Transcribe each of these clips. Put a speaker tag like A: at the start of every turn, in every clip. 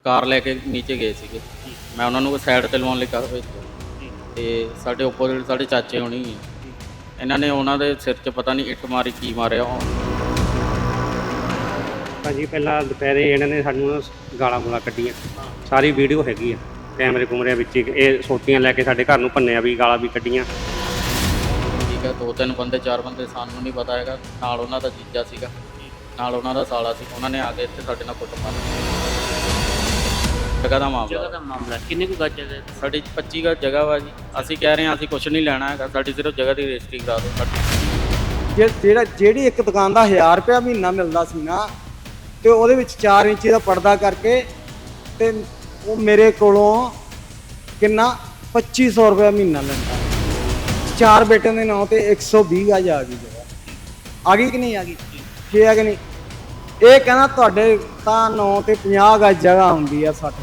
A: ਕਾਰ ਲੈ ਕੇ ਨੀਚੇ ਗਏ ਸੀਗੇ। ਮੈਂ ਉਹਨਾਂ ਨੂੰ ਸਾਈਡ ਤੇ ਲਵਾਉਣ ਲਈ ਕਰ ਭੇਜਿਆ ਤੇ ਸਾਡੇ ਓਪੋਜ਼ਿਟ ਸਾਡੇ ਚਾਚੇ ਹੋਣੀ ਹੈ, ਇਹਨਾਂ ਨੇ ਉਹਨਾਂ ਦੇ ਸਿਰ 'ਚ ਪਤਾ ਨਹੀਂ ਇੱਟ ਮਾਰੀ ਕੀ ਮਾਰਿਆ।
B: ਭਾਜੀ ਪਹਿਲਾਂ ਦੁਪਹਿਰੇ ਇਹਨਾਂ ਨੇ ਸਾਨੂੰ ਗਾਲਾਂ ਗੂਲਾਂ ਕੱਢੀਆਂ, ਸਾਰੀ ਵੀਡੀਓ ਹੈਗੀ ਆ ਕੈਮਰੇ ਕੁਮਰੇ ਵਿੱਚ। ਇਹ ਸੋਟੀਆਂ ਲੈ ਕੇ ਸਾਡੇ ਘਰ ਨੂੰ ਭੰਨਿਆ ਵੀ, ਗਾਲਾਂ ਵੀ ਕੱਢੀਆਂ।
A: ਠੀਕ ਹੈ, 2-3 ਬੰਦੇ 4 ਬੰਦੇ, ਸਾਨੂੰ ਨਹੀਂ ਪਤਾ ਹੈਗਾ। ਨਾਲ ਉਹਨਾਂ ਦਾ ਜੀਜਾ ਸੀਗਾ, ਨਾਲ ਉਹਨਾਂ ਦਾ ਸਾਲਾ ਸੀ। ਉਹਨਾਂ ਨੇ ਆ ਕੇ ਇੱਥੇ ਸਾਡੇ ਨਾਲ ਕੁੱਟ ਮਾਰੀ। ਜਗ੍ਹਾ ਦਾ ਮਾਮਲਾ
C: ਕਿੰਨੇ ਕੁ ਗੱਜ ਜਗ੍ਹਾ?
A: ਸਾਡੀ 25 ਗਜ਼ ਜਗ੍ਹਾ ਵਾ ਜੀ। ਅਸੀਂ ਕਹਿ ਰਹੇ ਹਾਂ ਅਸੀਂ ਕੁਝ ਨਹੀਂ ਲੈਣਾ ਹੈਗਾ, ਸਾਡੀ ਸਿਰਫ ਜਗ੍ਹਾ ਦੀ ਰਜਿਸਟਰੀ ਕਰਾ ਦਿਓ ਸਾਡੀ।
D: ਜਿਹੜੀ ਇੱਕ ਦੁਕਾਨ ਦਾ 1000 ਰੁਪਇਆ ਮਹੀਨਾ ਮਿਲਦਾ ਸੀ ਨਾ, ਤੇ ਉਹਦੇ ਵਿੱਚ 4 ਇੰਚੀ ਦਾ ਪਰਦਾ ਕਰਕੇ ਤੇ ਉਹ ਮੇਰੇ ਕੋਲੋਂ ਕਿੰਨਾ 2500 ਰੁਪਇਆ ਮਹੀਨਾ ਲੈਂਦਾ। 4 ਬੇਟਿਆਂ ਦੇ ਨਾਂ ਤੇ 120 ਗਜ਼ ਆ ਗਈ ਜਗ੍ਹਾ। ਆ ਗਈ ਕਿ ਨਹੀਂ ਆ ਗਈ? ਕੀ ਆ ਕਿ ਨਹੀਂ? ਇਹ ਕਹਿੰਦਾ ਤੁਹਾਡੇ ਤਾਂ ਨਾਂ ਤੇ 50 ਗਜ਼ ਜਗ੍ਹਾ ਹੁੰਦੀ ਆ, 60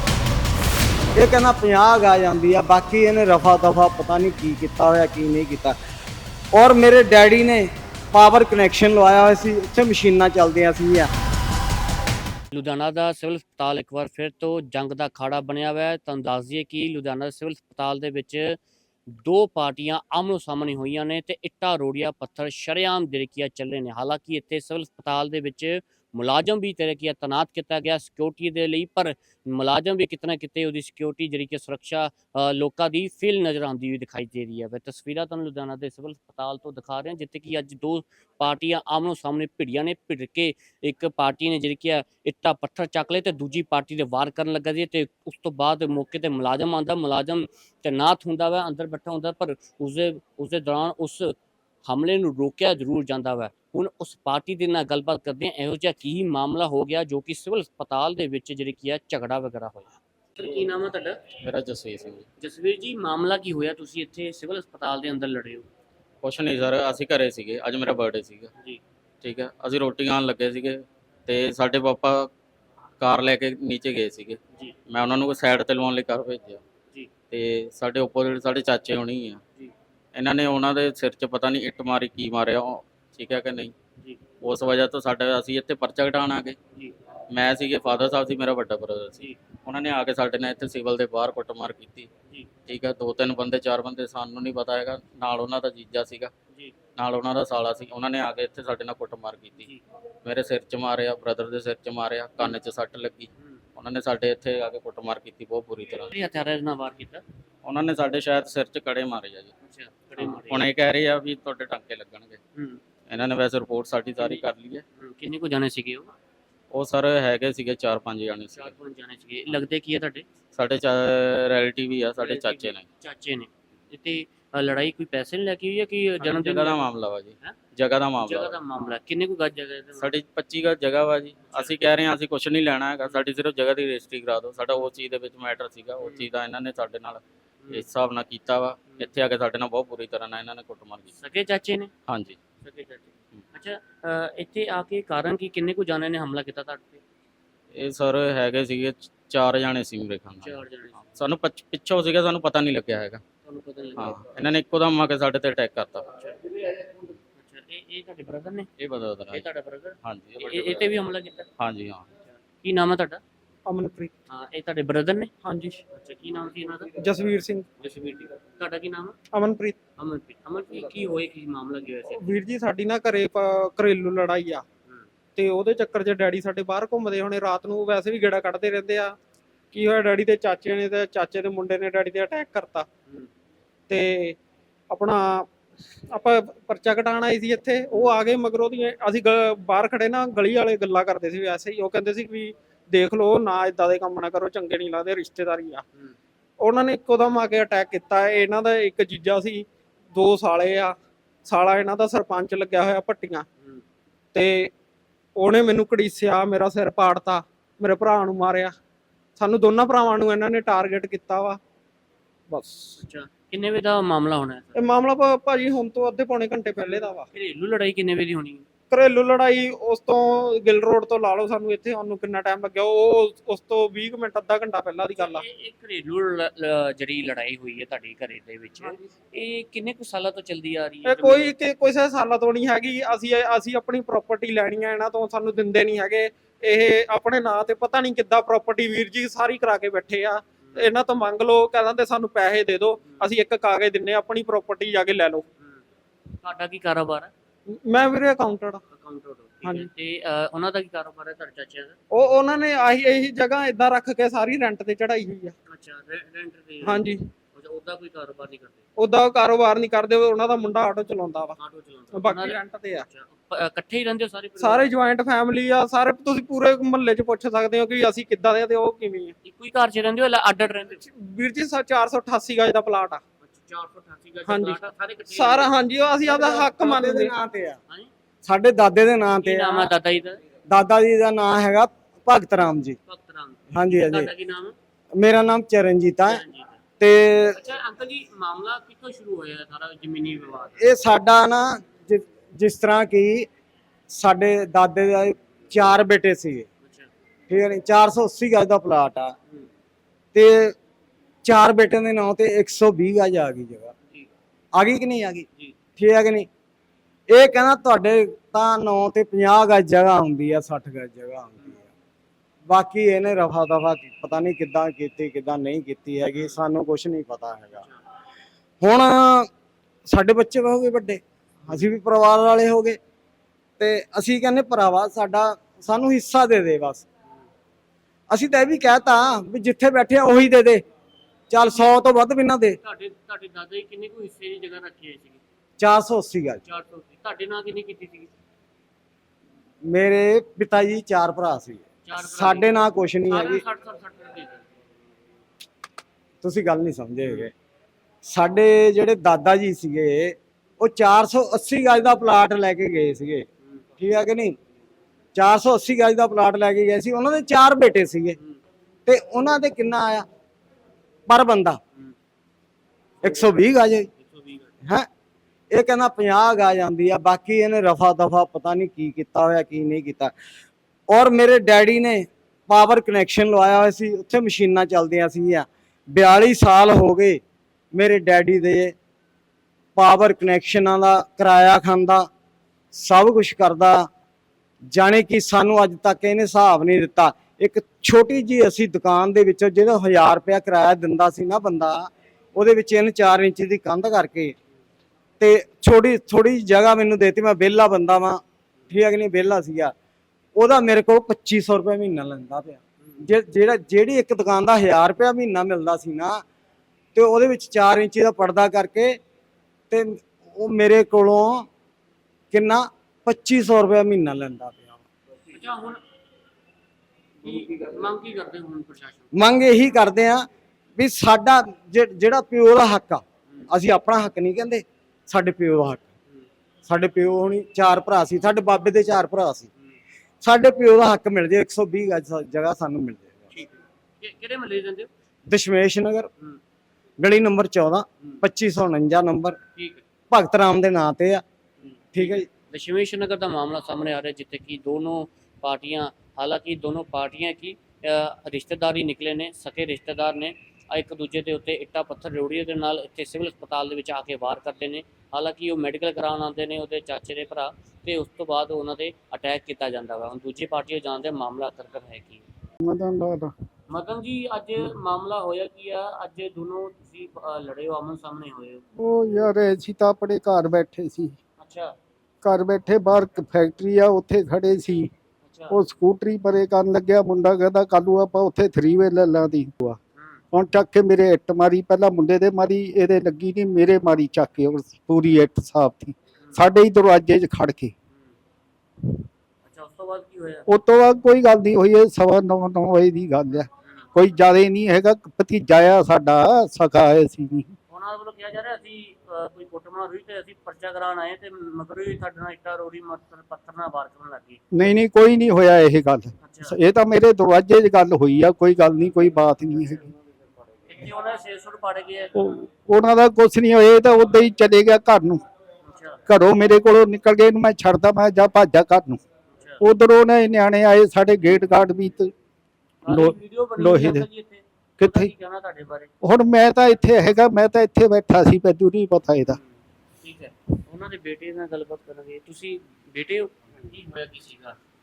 D: ਗਜ਼। ਇਹ ਕਹਿੰਦਾ 50 ਗਜ਼ ਆਉਂਦੀ ਆ, ਬਾਕੀ ਇਹਨੇ ਰਫਾ ਦਫਾ ਪਤਾ ਨਹੀਂ ਕੀ ਕੀਤਾ ਹੋਇਆ ਕੀ ਨਹੀਂ ਕੀਤਾ। ਔਰ ਮੇਰੇ ਡੈਡੀ ਨੇ ਪਾਵਰ ਕਨੈਕਸ਼ਨ ਲਵਾਇਆ ਹੋਇਆ ਸੀ, ਇੱਥੇ ਮਸ਼ੀਨਾਂ ਚੱਲਦੀਆਂ ਸੀਗੀਆਂ।
C: ਲੁਧਿਆਣਾ ਦਾ ਸਿਵਲ ਹਸਪਤਾਲ ਇੱਕ ਵਾਰ ਫਿਰ ਤੋਂ ਜੰਗ ਦਾ ਅਖਾੜਾ ਬਣਿਆ ਹੋਇਆ ਹੈ। ਤੁਹਾਨੂੰ ਦੱਸ ਦਈਏ ਕਿ ਲੁਧਿਆਣਾ ਸਿਵਲ ਹਸਪਤਾਲ ਦੇ ਵਿੱਚ 2 ਪਾਰਟੀਆਂ ਆਮੋ ਸਾਹਮਣੇ ਹੋਈਆਂ ਨੇ ਤੇ ਇੱਟਾਂ ਰੋੜੀਆਂ ਪੱਥਰ ਸ਼ਰੇਆਮ ਦਿਰਕੀਆਂ ਚੱਲੇ ਨੇ। ਹਾਲਾਂਕਿ ਇੱਥੇ ਸਿਵਲ ਹਸਪਤਾਲ ਦੇ ਵਿੱਚ ਮੁਲਾਜ਼ਮ ਵੀ ਦਿਰਕੀਆਂ ਤੈਨਾਤ ਕੀਤਾ ਗਿਆ ਸਿਕਿਉਰਿਟੀ ਦੇ ਲਈ, ਪਰ ਮੁਲਾਜ਼ਮ ਵੀ ਕਿਤੇ ਨਾ ਕਿਤੇ ਉਹਦੀ ਸਿਕਿਉਰਿਟੀ ਜਿਹੜੀ ਕਿ ਸੁਰੱਖਿਆ ਲੋਕਾਂ ਦੀ ਫੀਲ ਨਜ਼ਰ ਆਉਂਦੀ ਹੋਈ ਦਿਖਾਈ ਦੇ ਰਹੀ ਹੈ। ਵੈ ਤਸਵੀਰਾਂ ਤੁਹਾਨੂੰ ਲੁਧਿਆਣਾ ਦੇ ਸਿਵਲ ਹਸਪਤਾਲ ਤੋਂ ਦਿਖਾ ਰਹੇ ਹਾਂ, ਜਿੱਥੇ ਕਿ ਅੱਜ 2 ਪਾਰਟੀਆਂ ਆਮਨੋ ਸਾਹਮਣੇ ਭਿੜੀਆਂ ਨੇ। ਭਿੜ ਕੇ ਇੱਕ ਪਾਰਟੀ ਨੇ ਜਿਹੜੀ ਕਿ ਇੱਟਾਂ ਪੱਥਰ ਚੱਕ ਲਏ ਤੇ ਦੂਜੀ ਪਾਰਟੀ ਦੇ ਵਾਰ ਕਰਨ ਲੱਗਾ ਸੀ, ਤੇ ਉਸ ਤੋਂ ਬਾਅਦ ਮੌਕੇ ਤੇ ਮੁਲਾਜ਼ਮ ਆਉਂਦਾ, ਮੁਲਾਜ਼ਮ ਤੈਨਾਤ ਹੁੰਦਾ ਵਾ, ਅੰਦਰ ਬੈਠਾ ਹੁੰਦਾ, ਪਰ ਉਸਦੇ ਦੌਰਾਨ ਉਸ ਹਮਲੇ ਨੂੰ ਰੋਕਿਆ ਜ਼ਰੂਰ ਜਾਂਦਾ ਵਾ। ਹੁਣ ਉਸ ਪਾਰਟੀ ਦੇ ਨਾਲ ਗੱਲਬਾਤ ਕਰਦੇ ਹਾਂ, ਇਹੋ ਜਿਹਾ ਕੀ ਮਾਮਲਾ ਹੋ ਗਿਆ ਜੋ ਕਿ ਸਿਵਲ ਹਸਪਤਾਲ ਦੇ ਵਿੱਚ ਜਿਹੜੀ ਕੀ ਹੈ ਝਗੜਾ ਵਗੈਰਾ ਹੋਇਆ। ਸਰ ਕੀ ਨਾਮ ਹੈ ਤੁਹਾਡਾ?
A: ਮੇਰਾ ਜਸਵੀਰ ਸਿੰਘ ਜੀ।
C: ਜਸਵੀਰ ਜੀ, ਮਾਮਲਾ ਕੀ ਹੋਇਆ? ਤੁਸੀਂ ਇੱਥੇ ਸਿਵਲ ਹਸਪਤਾਲ ਦੇ ਅੰਦਰ ਲੜੇ ਹੋ?
A: ਕੁਛ ਨਹੀਂ ਸਰ, ਅਸੀਂ ਘਰੇ ਸੀਗੇ, ਅੱਜ ਮੇਰਾ ਬਰਥਡੇ ਸੀਗਾ
C: ਜੀ।
A: ਠੀਕ ਹੈ, ਅਸੀਂ ਰੋਟੀ ਖਾਣ ਲੱਗੇ ਸੀਗੇ ਤੇ ਸਾਡੇ ਪਾਪਾ ਕਾਰ ਲੈ ਕੇ ਨੀਚੇ ਗਏ ਸੀਗੇ
C: ਜੀ।
A: ਮੈਂ ਉਹਨਾਂ ਨੂੰ ਸਾਈਡ ਤੇ ਲਵਾਉਣ ਲਈ ਕਰ ਭੇਜਿਆ
C: ਜੀ।
A: ਤੇ ਸਾਡੇ ਓਪੋਜ਼ਿਟ ਸਾਡੇ ਚਾਚੇ ਹੋਣੀ ਆ,
C: ਜੀ।
A: ਇਹਨਾਂ ਨੇ ਉਹਨਾਂ ਦੇ ਸਿਰ 'ਚ ਪਤਾ ਨਹੀਂ ਇੱਟ ਮਾਰੀ ਕੀ ਮਾਰਿਆ। ਠੀਕ ਹੈ ਕਿ ਨਹੀਂ?
C: ਜੀ।
A: ਉਸ ਵਜ੍ਹਾ ਤੋਂ ਅਸੀਂ ਇੱਥੇ ਪਰਚਾ ਕਟਾਉਣ ਆ ਗਏ।
C: ਜੀ।
A: ਮੈਂ ਸੀਗੇ, ਫਾਦਰ ਸਾਹਿਬ ਸੀ, ਮੇਰਾ ਵੱਡਾ ਬ੍ਰਦਰ ਸੀ।
C: ਜੀ।
A: ਉਹਨਾਂ ਨੇ ਆ ਕੇ ਸਾਡੇ ਨਾਲ ਇੱਥੇ ਸਿਵਲ ਦੇ ਬਾਹਰ ਕੁੱਟਮਾਰ ਕੀਤੀ।
C: ਜੀ।
A: ਠੀਕ ਹੈ, 2-3 ਬੰਦੇ 4 ਬੰਦੇ, ਸਾਨੂੰ ਨਹੀਂ ਪਤਾ ਹੈਗਾ। ਨਾਲ ਉਹਨਾਂ ਦਾ ਜੀਜਾ ਸੀਗਾ,
C: ਜੀ।
A: ਨਾਲ ਉਹਨਾਂ ਦਾ ਸਾਲਾ ਸੀ। ਉਹਨਾਂ ਨੇ ਆ ਕੇ ਇੱਥੇ ਸਾਡੇ ਨਾਲ ਕੁੱਟਮਾਰ ਕੀਤੀ।
C: ਜੀ।
A: ਮੇਰੇ ਸਿਰ 'ਚ ਮਾਰਿਆ, ਬ੍ਰਦਰ ਦੇ ਸਿਰ 'ਚ ਮਾਰਿਆ, ਕੰਨ 'ਚ ਸੱਟ ਲੱਗੀ। ਉਹਨਾਂ ਨੇ ਸਾਡੇ ਇੱਥੇ ਆ ਕੇ ਕੁੱਟਮਾਰ ਕੀਤੀ ਬਹੁਤ ਬੁਰੀ ਤਰ੍ਹਾਂ।
C: ਇਹ ਹਥਿਆਰਾਂ ਨਾਲ ਵਾਰ ਕੀਤਾ?
A: ਉਹਨਾਂ ਨੇ ਸਾਡੇ ਸ਼ਾਇਦ ਸਿਰ 'ਚ ਕੜੇ ਮਾਰੇ ਆ ਜੀ।
C: ਅੱਛਾ, ਕੜੇ ਮਾਰੇ।
A: ਹੁਣ ਇਹ ਕਹਿ ਰਹੇ ਆ ਵੀ ਤੁਹਾਡੇ ਟਾਂਕੇ ਲੱਗਣਗੇ। ਇਹਨਾਂ ਨੇ ਵੈਸੇ ਰਿਪੋਰਟ ਸਾਡੀ ਸਾਰੀ ਕਰ ਲਈ ਹੈ।
C: ਕਿੰਨੇ ਕੁ ਜਾਣੇ ਸੀਗੇ ਉਹ?
A: ਉਹ ਸਰ ਹੈਗੇ ਸੀਗੇ 4-5 ਜਾਣੇ ਸੀ।
C: 4-5 ਜਾਣੇ ਸੀਗੇ। ਲੱਗਦੇ ਕੀ ਹੈ ਤੁਹਾਡੇ?
A: ਸਾਡੇ ਰਿਲੇਟਿਵ ਹੀ ਆ, ਸਾਡੇ ਚਾਚੇ ਨੇ।
C: ਚਾਚੇ ਨੇ। ਤੇ ਲੜਾਈ ਕੋਈ ਪੈਸੇ ਨਹੀਂ ਲੈ ਕੇ ਹੋਈ ਹੈ ਕਿ ਜਨਮ
A: ਜਗ੍ਹਾ ਦਾ ਮਾਮਲਾ ਵਾ ਜੀ। ਜਗ੍ਹਾ ਦਾ ਮਾਮਲਾ।
C: ਕਿੰਨੇ ਕੁ ਗੱਜ ਜਗ੍ਹਾ ਹੈ?
A: ਸਾਡੀ 25 ਗਜ਼ ਜਗ੍ਹਾ ਵਾ ਜੀ। ਅਸੀਂ ਕਹਿ ਰਹੇ ਹਾਂ ਅਸੀਂ ਕੁਝ ਨਹੀਂ ਲੈਣਾ ਹੈਗਾ, ਸਾਡੀ ਸਿਰਫ ਜਗ੍ਹਾ ਦੀ ਰਜਿਸਟਰੀ ਕਰਾ ਦਿਓ। ਸਾਡਾ ਉਸ ਚੀਜ਼ ਦੇ ਵਿੱਚ ਮੈਟਰ ਸੀਗਾ, ਉਸ ਚੀਜ਼ ਦਾ ਇਹਨਾਂ ਨੇ ਸਾਡੇ ਨਾਲ ਇਸ ਹਿਸਾਬ ਨਾਲ ਕੀਤਾ ਵਾ। ਇੱਥੇ ਆ ਕੇ ਸਾਡੇ ਨਾਲ ਬਹੁਤ ਬੁਰੀ ਤਰ੍ਹਾਂ ਨਾਲ ਇਹਨਾਂ ਨੇ ਕੁੱਟਮਾਰ ਕੀਤੀ।
C: ਸਕੇ ਚਾਚੇ ਨੇ?
A: ਹਾਂਜੀ,
C: ਸਕੇ ਚਾਚੇ। ਅੱਛਾ, ਇੱਥੇ ਆ ਕੇ ਕਾਰਨ ਕੀ, ਕਿੰਨੇ ਕੁ ਜਾਣੇ ਨੇ ਹਮਲਾ ਕੀਤਾ ਤੁਹਾਡੇ ਤੇ?
A: ਇਹ ਸਰ ਹੈਗੇ ਸੀਗੇ 4 ਜਾਣੇ ਸੀ ਮੇਰੇ ਖਿਆਲ ਨਾਲ।
C: 4 ਜਾਣੇ।
A: ਸਾਨੂੰ ਪਿੱਛੋਂ ਸੀਗਾ, ਸਾਨੂੰ ਪਤਾ ਨਹੀਂ ਲੱਗਿਆ ਹੈਗਾ।
C: ਤੁਹਾਨੂੰ ਪਤਾ ਨਹੀਂ
A: ਹਾਂ, ਇਹਨਾਂ ਨੇ ਇੱਕੋ ਦਮ ਆ ਕੇ ਸਾਡੇ ਤੇ ਅਟੈਕ ਕਰਤਾ।
C: ਅੱਛਾ, ਇਹ ਤੁਹਾਡੇ ਬ੍ਰਦਰ ਨੇ?
A: ਇਹ ਬਤਾ
C: ਇਹ ਤੁਹਾਡਾ ਬ੍ਰਦਰ?
A: ਹਾਂਜੀ,
C: ਇਹ ਤੇ ਵੀ ਹਮਲਾ ਕੀਤਾ?
A: ਹਾਂਜੀ ਹਾਂ।
C: ਕੀ ਨਾਮ ਹੈ ਤੁਹਾਡਾ?
D: ਅਮਨਪ੍ਰੀਤ।
C: ਹਾਂ, ਇਹ ਤੁਹਾਡੇ ਬ੍ਰਦਰ ਨੇ?
D: ਹਾਂਜੀ।
C: ਅੱਛਾ, ਕੀ ਨਾਮ ਸੀ ਇਹਨਾਂ ਦਾ?
D: ਜਸਵੀਰ ਸਿੰਘ।
C: ਜਸਵੀਰ ਜੀ। ਤੁਹਾਡਾ ਕੀ ਨਾਮ ਹੈ?
D: ਅਮਨਪ੍ਰੀਤ।
C: ਅਮਨਪ੍ਰੀਤ ਕੀ ਹੋਏ, ਕੀ ਮਾਮਲਾ ਕੀ ਹੋਇਆ ਸੀ?
D: ਵੀਰ ਜੀ ਸਾਡੀ ਨਾ ਘਰੇਲੂ ਲੜਾਈ ਆ, ਤੇ ਉਹਦੇ ਚੱਕਰ 'ਚ ਡੈਡੀ ਸਾਡੇ ਬਾਹਰ ਘੁੰਮਦੇ ਹੋਣੇ ਰਾਤ ਨੂੰ, ਵੈਸੇ ਵੀ ਗੇੜਾ ਕੱਢਦੇ ਰਹਿੰਦੇ ਆ। ਕੀ ਹੋਇਆ, ਡੈਡੀ ਦੇ ਚਾਚੇ ਨੇ ਤੇ ਚਾਚੇ ਦੇ ਮੁੰਡੇ ਨੇ ਡੈਡੀ ਤੇ ਅਟੈਕ ਕਰਤਾ। ਤੇ ਆਪਾਂ ਪਰਚਾ ਕਟਾਉਣ ਆਏ ਸੀ ਇੱਥੇ, ਉਹ ਆ ਗਏ ਮਗਰੋਂ ਦੀਆਂ। ਅਸੀਂ ਬਾਹਰ ਖੜੇ ਨਾ, ਗਲੀ ਵਾਲੇ ਗੱਲਾਂ ਕਰਦੇ ਸੀ ਵੈਸੇ ਹੀ। ਉਹ ਕਹਿੰਦੇ ਸੀ ਵੀ ਦੇਖ ਲਓ ਨਾ, ਇਦਾਂ ਦੇ ਕੰਮ ਨਾ ਕਰੋ, ਚੰਗੇ ਨਹੀਂ ਲੱਗਦੇ, ਰਿਸ਼ਤੇਦਾਰੀ ਆ। ਉਹਨਾਂ ਨੇ ਇੱਕੋ ਦਮ ਆ ਕੇ ਅਟੈਕ ਕੀਤਾ। ਇਹਨਾਂ ਦਾ ਇੱਕ ਜੀਜਾ ਸੀ, 2 ਸਾਲੇ ਆ। ਸਾਲਾ ਇਹਨਾਂ ਦਾ ਸਰਪੰਚ ਲੱਗਿਆ ਹੋਇਆ ਭੱਟੀਆਂ, ਤੇ ਉਹਨੇ ਮੈਨੂੰ ਘੜੀਸਿਆ, ਮੇਰਾ ਸਿਰ ਪਾੜਤਾ, ਮੇਰੇ ਭਰਾ ਨੂੰ ਮਾਰਿਆ। ਸਾਨੂੰ ਦੋਨਾਂ ਭਰਾਵਾਂ ਨੂੰ ਇਹਨਾਂ ਨੇ ਟਾਰਗੇਟ ਕੀਤਾ ਵਾ ਬਸ।
C: ਅੱਛਾ, ਕਿੰਨੇ ਵਜੇ ਦਾ ਮਾਮਲਾ ਹੋਣਾ ਹੈ?
D: ਇਹ ਮਾਮਲਾ ਭਾਜੀ ਹੁਣ ਤੋਂ ਅੱਧੇ ਪੌਣੇ ਘੰਟੇ ਪਹਿਲੇ ਦਾ ਵਾ।
C: ਘਰੇਲੂ ਲੜਾਈ ਕਿੰਨੇ ਵਜੇ ਦੀ ਹੋਣੀ ਹੈ?
D: ਘਰੇਲੂ ਲੜਾਈ ਉਸ ਤੋਂ ਗਿੱਲ ਰੋਡ ਤੋਂ ਲਾ ਲਓ, ਸਾਨੂੰ ਇੱਥੇ ਆਉਣ ਨੂੰ ਕਿੰਨਾ ਟਾਈਮ ਲੱਗਿਆ, ਉਹ ਉਸ ਤੋਂ 20 ਮਿੰਟ ਅੱਧਾ ਘੰਟਾ ਪਹਿਲਾਂ ਦੀ ਗੱਲ ਆ।
C: ਇਹ ਘਰੇਲੂ ਜਿਹੜੀ ਲੜਾਈ ਹੋਈ ਹੈ ਤੁਹਾਡੇ ਘਰੇ ਦੇ ਵਿੱਚ, ਇਹ ਕਿੰਨੇ ਕੁ ਸਾਲਾਂ ਤੋਂ ਚੱਲਦੀ ਆ ਰਹੀ ਹੈ?
D: ਇਹ ਕੋਈ ਸਾਲਾਂ ਤੋਂ ਨਹੀਂ ਹੈਗੀ। ਅਸੀਂ ਆਪਣੀ ਪ੍ਰਾਪਰਟੀ ਲੈਣੀ ਆ ਇਹਨਾਂ ਤੋਂ, ਸਾਨੂੰ ਦਿੰਦੇ ਨਹੀਂ ਹੈਗੇ।
E: ਇਹ ਆਪਣੇ ਨਾਂ ਤੇ ਪਤਾ ਨਹੀਂ ਕਿੱਦਾਂ ਪ੍ਰਾਪਰਟੀ ਵੀਰ ਜੀ ਸਾਰੀ ਕਰਾ ਕੇ ਬੈਠੇ ਆ। ਇਹਨਾਂ ਤੋਂ ਮੰਗ ਲਓ, ਕਹਿੰਦੇ ਸਾਨੂੰ ਪੈਸੇ ਦੇ ਦਿਓ, ਅਸੀਂ ਇੱਕ ਕਾਗਜ਼ ਦਿੰਨੇ ਆ, ਆਪਣੀ ਪ੍ਰਾਪਰਟੀ ਜਾ ਕੇ ਲੈ ਲਓ।
C: ਤੁਹਾਡਾ ਕੀ ਕਾਰੋਬਾਰ ਹੈ?
E: ਮੈਂ ਵੀਰੇ ਅਕਾਊਂਟੈਂਟ।
C: ਅਕਾਊਂਟੈਂਟ।
E: ਹਾਂਜੀ।
C: ਤੇ ਉਹਨਾਂ ਦਾ ਕੀ ਕਾਰੋਬਾਰ ਹੈ ਤੁਹਾਡੇ ਚਾਚਿਆਂ ਦਾ?
E: ਉਹਨਾਂ ਨੇ ਇਹੀ ਜਗ੍ਹਾ ਇਦਾਂ ਰੱਖ ਕੇ ਸਾਰੀ ਰੈਂਟ ਤੇ ਚੜਾਈ ਹੋਈ ਆ।
C: ਅੱਛਾ, ਰੈਂਟ ਤੇ।
E: ਹਾਂਜੀ।
C: ਉਹਦਾ ਕੋਈ ਕਾਰੋਬਾਰ ਨਹੀਂ ਕਰਦੇ?
E: ਉਹਦਾ ਕਾਰੋਬਾਰ ਨਹੀਂ ਕਰਦੇ, ਉਹਨਾਂ ਦਾ ਮੁੰਡਾ ਆਟੋ ਚਲਾਉਂਦਾ ਵਾ।
C: ਆਟੋ ਚਲਾਉਂਦਾ।
E: ਬਾਕੀ ਰੈਂਟ ਤੇ ਆ।
C: ਇਕੱਠੇ ਹੀ ਰਹਿੰਦੇ ਹੋ ਸਾਰੇ?
E: ਸਾਰੇ ਜੁਆਇੰਟ ਫੈਮਿਲੀ ਆ ਸਾਰੇ। ਤੁਸੀਂ ਪੂਰੇ ਮੁਹੱਲੇ 'ਚ ਪੁੱਛ ਸਕਦੇ ਹੋ ਕਿ ਅਸੀਂ ਕਿੱਦਾਂ ਦੇ ਆ ਤੇ ਉਹ ਕਿਵੇਂ ਆ।
C: ਇੱਕੋ ਹੀ ਘਰ 'ਚ ਰਹਿੰਦੇ ਹੋ ਜਾਂ ਅੱਡ-ਅੱਡ ਰਹਿੰਦੇ ਹੋ?
E: ਵੀਰ ਜੀ 488 ਗਜ ਦਾ ਪਲਾਟ ਆ।
C: 488 ਗਜ
E: ਹਾਂਜੀ।
C: ਦਾ ਪਲਾਟ ਆ, ਸਾਰੇ ਇਕੱਠੇ?
E: ਸਾਰਾ ਹਾਂਜੀ, ਉਹ ਅਸੀਂ ਆਪਦਾ ਹੱਕ ਮੰਨਦੇ
D: ਨਾਂ ਤੇ ਆ,
C: ਹਾਂਜੀ।
D: ਸਾਡੇ ਦਾਦੇ ਦੇ ਨਾਂ
C: ਕੀ
D: ਤੇ
C: ਨਾਮ ਹੈ
D: ਆ।
C: ਦਾਦਾ ਜੀ ਦਾ?
D: ਦਾਦਾ ਜੀ ਦਾ ਨਾਂ ਹੈਗਾ ਭਗਤ ਰਾਮ ਜੀ।
C: ਭਗਤ ਰਾਮ।
D: ਹਾਂਜੀ ਹਾਂਜੀ।
C: ਤੁਹਾਡਾ ਕੀ ਨਾਮ ਹੈ?
D: ਮੇਰਾ ਨਾਮ ਚਰਨਜੀਤ ਹੈ।
C: ਚਰਨਜੀਤ।
D: ਤੇ
C: ਅੱਛਾ ਅੰਕਲ ਜੀ, ਮਾਮਲਾ ਕਿੱਥੋਂ ਸ਼ੁਰੂ ਹੋਇਆ ਸਾਰਾ ਜ਼ਮੀਨੀ ਵਿਵਾਦ?
D: ਇਹ ਸਾਡਾ ਨਾ ਜਿਸ ਤਰ੍ਹਾਂ ਕਿ ਸਾਡੇ ਦਾਦੇ ਦੇ 4 ਬੇਟੇ ਸੀਗੇ,
C: ਅੱਛਾ।
D: ਠੀਕ ਹੈ ਨੀ, 480 ਗਜ ਦਾ ਪਲਾਟ ਆ ਤੇ 4 ਬੇਟਿਆਂ ਦੇ ਨਾਂ ਤੇ 120 ਗਜ ਆ ਗਈ ਜਗ੍ਹਾ।
C: ਜੀ
D: ਆ ਗਈ ਕਿ ਨਹੀਂ ਆ ਗਈ?
C: ਜੀ।
D: ਠੀਕ ਹੈ ਕਿ ਨਹੀਂ? ਇਹ ਕਹਿੰਦਾ ਤੁਹਾਡੇ ਤਾਂ ਨਾਂ ਤੇ 50 ਗਜ ਜਗ੍ਹਾ ਹੁੰਦੀ ਆ, 60 ਗਜ ਜਗ੍ਹਾ ਹੁੰਦੀ ਆ। ਬਾਕੀ ਇਹਨੇ ਰਫਾ ਦਫਾ ਪਤਾ ਨਹੀਂ ਕਿੱਦਾਂ ਕੀਤੀ ਕਿੱਦਾਂ ਨਹੀਂ ਕੀਤੀ ਹੈਗੀ, ਸਾਨੂੰ ਕੁਝ ਨਹੀਂ ਪਤਾ ਹੈਗਾ। ਹੁਣ ਸਾਡੇ ਬੱਚੇ ਹੋ ਗਏ ਵੱਡੇ, ਅਸੀਂ ਵੀ ਪਰਿਵਾਰ ਵਾਲੇ ਹੋ ਗਏ ਤੇ ਅਸੀਂ ਕਹਿੰਦੇ ਭਰਾਵਾ ਸਾਨੂੰ ਹਿੱਸਾ ਦੇ ਦੇ ਬਸ। ਅਸੀਂ ਤਾਂ ਇਹ ਵੀ ਕਹਿਤਾ ਵੀ ਜਿੱਥੇ ਬੈਠੇ ਆ ਉਹੀ ਦੇ ਦੇ, ਚੱਲ 100 ਤੋਂ ਵੱਧ ਵੀ ਨਾ ਦੇ।
C: ਤੁਹਾਡੇ ਦਾਦਾ ਜੀ ਕਿੰਨੇ ਕੁ ਹਿੱਸੇ ਦੀ ਜਗ੍ਹਾ ਰੱਖੀ ਹੋਈ ਸੀ?
D: 480 ਗਜ।
C: 400। ਤੁਹਾਡੇ ਨਾਲ ਕਿੰਨੀ ਕੀਤੀ ਸੀ?
D: ਮੇਰੇ ਪਿਤਾ ਜੀ 4 ਭਰਾ ਸੀ, ਸਾਡੇ ਨਾਲ ਕੁਛ ਨਹੀਂ ਹੈਗੀ।
C: 60
D: ਤੁਸੀਂ ਗੱਲ ਨਹੀਂ ਸਮਝੇ ਹੈਗੇ। ਸਾਡੇ ਜਿਹੜੇ ਦਾਦਾ ਜੀ ਸੀਗੇ ਉਹ 480 ਗਜ ਦਾ ਪਲਾਟ ਲੈ ਕੇ ਗਏ ਸੀਗੇ, ਠੀਕ ਹੈ ਕਿ ਨਹੀਂ? 480 ਗਜ ਦਾ ਪਲਾਟ ਲੈ ਕੇ ਗਏ ਸੀ। ਉਹਨਾਂ ਦੇ 4 ਬੇਟੇ ਸੀਗੇ ਤੇ ਉਹਨਾਂ ਦੇ ਕਿੰਨਾ ਆਇਆ ਪਰ ਬੰਦਾ? 120 ਗਜ ਹੈ। ਇਹ ਕਹਿੰਦਾ 50 ਗਜ ਆਉਂਦੀ ਆ। ਬਾਕੀ ਇਹਨੇ ਰਫਾ ਦਫਾ ਪਤਾ ਨਹੀਂ ਕੀ ਕੀਤਾ ਹੋਇਆ ਕੀ ਨਹੀਂ ਕੀਤਾ। ਔਰ ਮੇਰੇ ਡੈਡੀ ਨੇ ਪਾਵਰ ਕਨੈਕਸ਼ਨ ਲਵਾਇਆ ਹੋਇਆ ਸੀ, ਉੱਥੇ ਮਸ਼ੀਨਾਂ ਚੱਲਦੀਆਂ ਸੀਗੀਆਂ। 42 ਸਾਲ ਹੋ ਗਏ ਮੇਰੇ ਡੈਡੀ ਦੇ ਪਾਵਰ ਕਨੈਕਸ਼ਨਾਂ ਦਾ ਕਿਰਾਇਆ ਖਾਂਦਾ, ਸਭ ਕੁਝ ਕਰਦਾ, ਜਾਣੇ ਕਿ ਸਾਨੂੰ ਅੱਜ ਤੱਕ ਇਹਨੇ ਹਿਸਾਬ ਨਹੀਂ ਦਿੱਤਾ। ਇੱਕ ਛੋਟੀ ਜੀ ਅਸੀਂ ਦੁਕਾਨ ਦੇ ਵਿੱਚ ਜਿਹੜਾ 1000 ਰੁਪਇਆ ਕਿਰਾਇਆ ਦਿੰਦਾ ਸੀ ਨਾ ਬੰਦਾ, ਉਹਦੇ ਵਿੱਚ ਇਹਨੇ 4 ਇੰਚ ਦੀ ਕੰਧ ਕਰਕੇ ਤੇ ਥੋੜੀ ਜਗ੍ਹਾ ਮੈਨੂੰ ਦੇਤੀ। ਮੈਂ ਵਿਹਲਾ ਬੰਦਾ ਵਾਂ, ਠੀਕ ਹੈ ਕਿ ਨਹੀਂ? ਵਿਹਲਾ ਸੀਗਾ। ਉਹਦਾ ਮੇਰੇ ਕੋਲ 2500 ਰੁਪਏ ਮਹੀਨਾ ਲੈਂਦਾ ਪਿਆ। ਜਿਹੜੀ ਇੱਕ ਦੁਕਾਨ ਦਾ 1000 ਰੁਪਇਆ ਮਹੀਨਾ ਮਿਲਦਾ ਸੀ ਨਾ, ਤੇ ਉਹਦੇ ਵਿੱਚ 4 ਇੰਚੀ ਦਾ ਪਰਦਾ ਕਰਕੇ ਤੇ ਉਹ ਮੇਰੇ ਕੋਲੋਂ ਕਿੰਨਾ 2500 ਰੁਪਏ ਮਹੀਨਾ ਲੈਂਦਾ ਪਿਆ।
C: ਅੱਛਾ, ਹੁਣ ਮੰਗ ਕੀ ਕਰਦੇ ਹੁਣ ਪ੍ਰਸ਼ਾਸਨ?
D: ਮੰਗ ਇਹੀ ਕਰਦੇ ਆ ਵੀ ਸਾਡਾ ਜਿਹੜਾ ਪਿਓ ਦਾ ਹੱਕ ਆ, ਅਸੀਂ ਆਪਣਾ ਹੱਕ ਨਹੀਂ ਕਹਿੰਦੇ, ਸਾਡੇ ਪਿਓ ਦਾ ਹੱਕ। ਸਾਡੇ ਪਿਓ ਹੁਣੀ 4 ਭਰਾ ਸੀ, ਸਾਡੇ ਬਾਬੇ ਦੇ 4 ਭਰਾ ਸੀ। ਸਾਡੇ ਪਿਓ ਦਾ ਹੱਕ ਮਿਲ ਜੇ, 120 ਗਜ ਜਗ੍ਹਾ ਸਾਨੂੰ ਮਿਲ ਜਾਏਗਾ।
C: ਠੀਕ ਹੈ। ਕਿਹੜੇ ਮਹੱਲੇ ਰਹਿੰਦੇ ਹੋ?
D: ਦਸ਼ਮੇਸ਼ ਨਗਰ, ਗਲੀ ਨੰਬਰ 14, 2549 ਨੰਬਰ।
C: ਠੀਕ ਹੈ।
D: ਭਗਤ ਰਾਮ ਦੇ ਨਾਂ ਤੇ ਆ, ਠੀਕ ਹੈ ਜੀ।
C: ਦਸ਼ਮੇਸ਼ ਨਗਰ ਦਾ ਮਾਮਲਾ ਸਾਹਮਣੇ ਆ ਰਿਹਾ, ਜਿੱਥੇ ਕਿ ਦੋਨੋਂ ਪਾਰਟੀਆਂ, ਹਾਲਾਂਕਿ ਦੋਨੋਂ ਪਾਰਟੀਆਂ ਕੀ ਰਿਸ਼ਤੇਦਾਰ ਹੀ ਨਿਕਲੇ ਨੇ, ਸਕੇ ਰਿਸ਼ਤੇਦਾਰ ਨੇ, ਇੱਕ ਦੂਜੇ ਦੇ ਉੱਤੇ ਇੱਟਾਂ ਪੱਥਰ ਰੋੜੀਏ ਦੇ ਨਾਲ ਇੱਥੇ ਸਿਵਲ ਹਸਪਤਾਲ ਦੇ ਵਿੱਚ ਆ ਕੇ ਵਾਰ ਕਰਦੇ ਨੇ। ਹਾਲਾਂਕਿ ਉਹ ਮੈਡੀਕਲ ਕਰਾਉਣ ਆਉਂਦੇ ਨੇ, ਉਹਦੇ ਚਾਚੇ ਦੇ ਭਰਾ, ਤੇ ਉਸ ਤੋਂ ਬਾਅਦ ਉਹਨਾਂ ਦੇ ਅਟੈਕ ਕੀਤਾ ਜਾਂਦਾ ਵਾ। ਹੁਣ ਦੂਜੀ ਪਾਰਟੀ ਜਾਣਦੇ ਮਾਮਲਾ ਆਖਰਕਾਰ ਹੈ ਕੀ? ਮਦਨ ਜੀ, ਅੱਜ ਮਾਮਲਾ ਹੋਇਆ ਕੀ ਆ? ਅੱਜ ਦੋਨੋਂ ਤੁਸੀਂ ਲੜੇ ਹੋ, ਆਮਨ ਸਾਹਮਣੇ ਹੋਏ ਹੋ?
F: ਉਹ ਯਾਰ ਅਸੀਂ ਤਾਂ ਆਪਣੇ ਘਰ ਬੈਠੇ ਸੀ।
C: ਅੱਛਾ
F: ਘਰ ਬੈਠੇ, ਬਾਹਰ ਫੈਕਟਰੀ ਆ ਉੱਥੇ ਖੜੇ ਸੀ।
C: ਅੱਛਾ।
F: ਉਹ ਸਕੂਟਰੀ ਪਰੇ ਕਰਨ ਲੱਗਿਆ, ਮੁੰਡਾ ਕਹਿੰਦਾ ਕੱਲ ਨੂੰ ਆਪਾਂ ਉੱਥੇ 3 ਵੇ ਲੈ ਲਾਂਦੀ। ਹੁਣ ਚੱਕ ਕੇ ਮੇਰੇ ਇੱਟ ਮਾਰੀ, ਪਹਿਲਾਂ ਮੁੰਡੇ ਦੇ ਮਾਰੀ, ਇਹਦੇ ਲੱਗੀ ਨਹੀਂ, ਮੇਰੇ ਮਾਰੀ ਚੱਕ ਕੇ ਪੂਰੀ ਇੱਟ ਸਾਫ ਥੀ ਸਾਡੇ ਹੀ ਦਰਵਾਜ਼ੇ 'ਚ ਖੜ ਕੇ।
C: ਅੱਛਾ, ਉਸ ਤੋਂ ਬਾਅਦ ਕੀ ਹੋਇਆ?
F: ਉਸ ਤੋਂ ਬਾਅਦ ਕੋਈ ਗੱਲ ਨਹੀਂ ਹੋਈ। ਇਹ 9:15 ਵਜੇ ਦੀ ਗੱਲ ਹੈ, ਕੋਈ ਜ਼ਿਆਦਾ ਨਹੀਂ ਹੈਗਾ। ਭਤੀਜਾ ਆ ਸਾਡਾ, ਸਕਾ ਆਏ ਸੀ ਜੀ।
C: ਉਹਨਾਂ ਵੱਲੋਂ ਕਿਹਾ ਜਾ ਰਿਹਾ ਅਸੀਂ ਕੋਈ ਕੁੱਟਮਾਰ ਹੋਈ ਤੇ ਅਸੀਂ ਪਰਚਾ ਕਰਾਉਣ ਆਏ ਤੇ ਮਗਰ ਹੀ ਸਾਡੇ ਨਾਲ ਇੱਟਾਂ ਰੋੜੀ ਪੱਥਰ ਨਾਲ ਵਾਰ ਕਰਨ ਲੱਗੀ।
F: ਨਹੀਂ ਕੋਈ ਨਹੀਂ ਹੋਇਆ ਇਹ ਗੱਲ।
C: ਅੱਛਾ।
F: ਇਹ ਤਾਂ ਮੇਰੇ ਦਰਵਾਜ਼ੇ 'ਚ ਗੱਲ ਹੋਈ ਆ, ਕੋਈ ਗੱਲ ਨਹੀਂ, ਕੋਈ ਬਾਤ ਨਹੀਂ ਹੈਗੀ।
C: ਇੱਥੇ ਉਹਨਾਂ ਦੇ 600 ਪਾੜੇ ਗਏ।
F: ਉਹਨਾਂ ਦਾ ਕੁਛ ਨਹੀਂ ਹੋਇਆ, ਇਹ ਤਾਂ ਉਦਾਂ ਹੀ ਚਲੇ ਗਿਆ ਘਰ ਨੂੰ।
C: ਅੱਛਾ।
F: ਘਰੋਂ ਮੇਰੇ ਕੋਲੋਂ ਨਿਕਲ ਗਏ, ਮੈਂ ਛੱਡਦਾ, ਮੈਂ ਜਾ ਭਾਜਾ ਘਰ ਨੂੰ। ਉਧਰੋਂ ਨੇ ਨਿਆਣੇ ਆਏ, ਸਾਡੇ ਗੇਟ ਗਾਰਡ ਵੀ ਤੇ ਲੋਹੇ ਦੇ। ਕਿੱਥੇ?
C: ਕਹਿਣਾ ਤੁਹਾਡੇ ਬਾਰੇ?
F: ਹੁਣ ਮੈਂ ਤਾਂ ਇੱਥੇ ਹੈਗਾ, ਮੈਂ ਤਾਂ ਇੱਥੇ ਬੈਠਾ ਸੀ, ਮੈਨੂੰ ਨਹੀਂ ਪਤਾ ਇਹਦਾ।
C: ਠੀਕ ਹੈ, ਉਹਨਾਂ ਦੇ ਬੇਟੇ ਨਾਲ ਗੱਲਬਾਤ ਕਰਾਂਗੇ। ਤੁਸੀਂ ਬੇਟੇ ਹੋ? ਕੀ ਹੋਇਆ ਕੀ ਸੀਗਾ?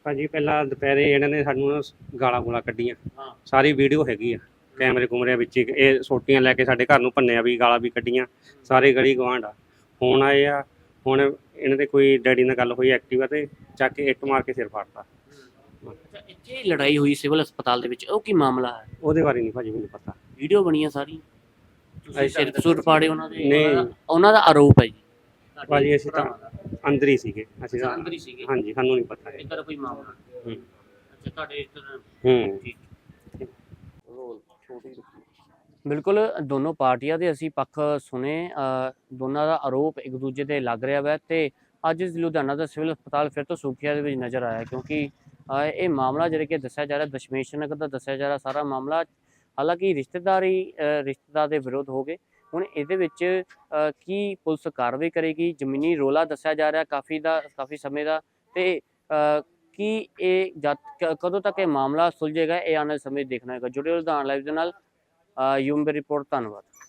B: ਭਾਜੀ ਪਹਿਲਾਂ ਦੁਪਹਿਰੇ ਇਹਨਾਂ ਨੇ ਸਾਨੂੰ ਗਾਲਾਂ ਗੂਲਾਂ ਕੱਢੀਆਂ।
C: ਹਾਂ।
B: ਸਾਰੀ ਵੀਡੀਓ ਹੈਗੀ ਆ ਕੈਮਰੇ ਕੁਮਰਿਆਂ ਵਿੱਚ ਹੀ। ਇਹ ਸੋਟੀਆਂ ਲੈ ਕੇ ਸਾਡੇ ਘਰ ਨੂੰ ਭੰਨਿਆ ਵੀ, ਗਾਲਾਂ ਵੀ ਕੱਢੀਆਂ। ਸਾਰੇ ਗਲੀ ਗਵਾਂਢ ਆ ਹੁਣ ਆਏ ਆ। ਹੁਣ ਇਹਨਾਂ ਦੇ ਕੋਈ ਡੈਡੀ ਨਾਲ ਗੱਲ ਹੋਈ ਐਕਟਿਵਾ ਤੇ, ਚੱਕ ਕੇ ਇੱਟ ਮਾਰ ਕੇ ਸਿਰ ਫਾੜਤਾ।
C: ਅੱਛਾ, ਇੱਥੇ ਲੜਾਈ ਹੋਈ ਸਿਵਲ ਹਸਪਤਾਲ ਦੇ ਵਿੱਚ, ਉਹ ਕੀ ਮਾਮਲਾ ਹੈ?
B: ਉਹਦੇ ਬਾਰੇ ਨਹੀਂ ਭਾਜੀ ਮੈਨੂੰ ਪਤਾ।
C: ਵੀਡੀਓ ਬਣੀਆਂ ਸਾਰੀ, ਤੁਸੀਂ ਸਿਰ ਸੁਰ ਪਾੜੇ ਉਹਨਾਂ ਦੇ?
B: ਨਹੀਂ।
C: ਉਹਨਾਂ ਦਾ ਆਰੋਪ ਹੈ ਜੀ।
B: ਭਾਜੀ ਅਸੀਂ ਤਾਂ ਅੰਦਰ ਹੀ ਸੀਗੇ, ਅਸੀਂ ਤਾਂ
C: ਅੰਦਰ ਹੀ ਸੀਗੇ।
B: ਹਾਂਜੀ, ਸਾਨੂੰ ਨਹੀਂ ਪਤਾ ਹੈ।
C: ਇੱਧਰ ਕੋਈ ਮਾਮਲਾ
B: ਹੂੰ।
C: ਅੱਛਾ, ਤੁਹਾਡੇ ਇੱਧਰ
B: ਹੂੰ।
C: ਠੀਕ। ਬਿਲਕੁਲ ਦੋਨੋਂ ਪਾਰਟੀਆਂ ਦੇ ਅਸੀਂ ਪੱਖ ਸੁਣੇ। ਦੋਨਾਂ ਦਾ ਆਰੋਪ ਇੱਕ ਦੂਜੇ ਤੇ ਲੱਗ ਰਿਹਾ ਵਾ ਤੇ ਅੱਜ ਲੁਧਿਆਣਾ ਦਾ ਸਿਵਲ ਹਸਪਤਾਲ ਫਿਰ ਤੋਂ ਸੁਰਖੀਆਂ ਦੇ ਵਿੱਚ ਨਜ਼ਰ ਆਇਆ, ਕਿਉਂਕਿ ਇਹ ਮਾਮਲਾ ਜਿਹੜਾ ਕਿ ਦੱਸਿਆ ਜਾ ਰਿਹਾ ਦਸ਼ਮੇਸ਼ ਨਗਰ ਦਾ ਦੱਸਿਆ ਜਾ ਰਿਹਾ ਸਾਰਾ ਮਾਮਲਾ। ਹਾਲਾਂਕਿ ਰਿਸ਼ਤੇਦਾਰ ਦੇ ਵਿਰੋਧ ਹੋ ਗਏ। ਹੁਣ ਇਹਦੇ ਵਿੱਚ ਕੀ ਪੁਲਿਸ ਕਾਰਵਾਈ ਕਰੇਗੀ? ਜ਼ਮੀਨੀ ਰੌਲਾ ਦੱਸਿਆ ਜਾ ਰਿਹਾ ਕਾਫੀ ਸਮੇਂ ਦਾ, ਤੇ ਕੀ ਇਹ ਕਦੋਂ ਤੱਕ ਇਹ ਮਾਮਲਾ ਸੁਲਝੇਗਾ, ਇਹ ਆਉਣ ਵਾਲੇ ਸਮੇਂ ਦੇਖਣਾ ਹੋਏਗਾ। ਜੁੜੇ ਲੁਧਿਆਣਾ ਲਾਈਵ ਦੇ ਨਾਲ ਯੂਮ ਰਿਪੋਰਟ। ਧੰਨਵਾਦ।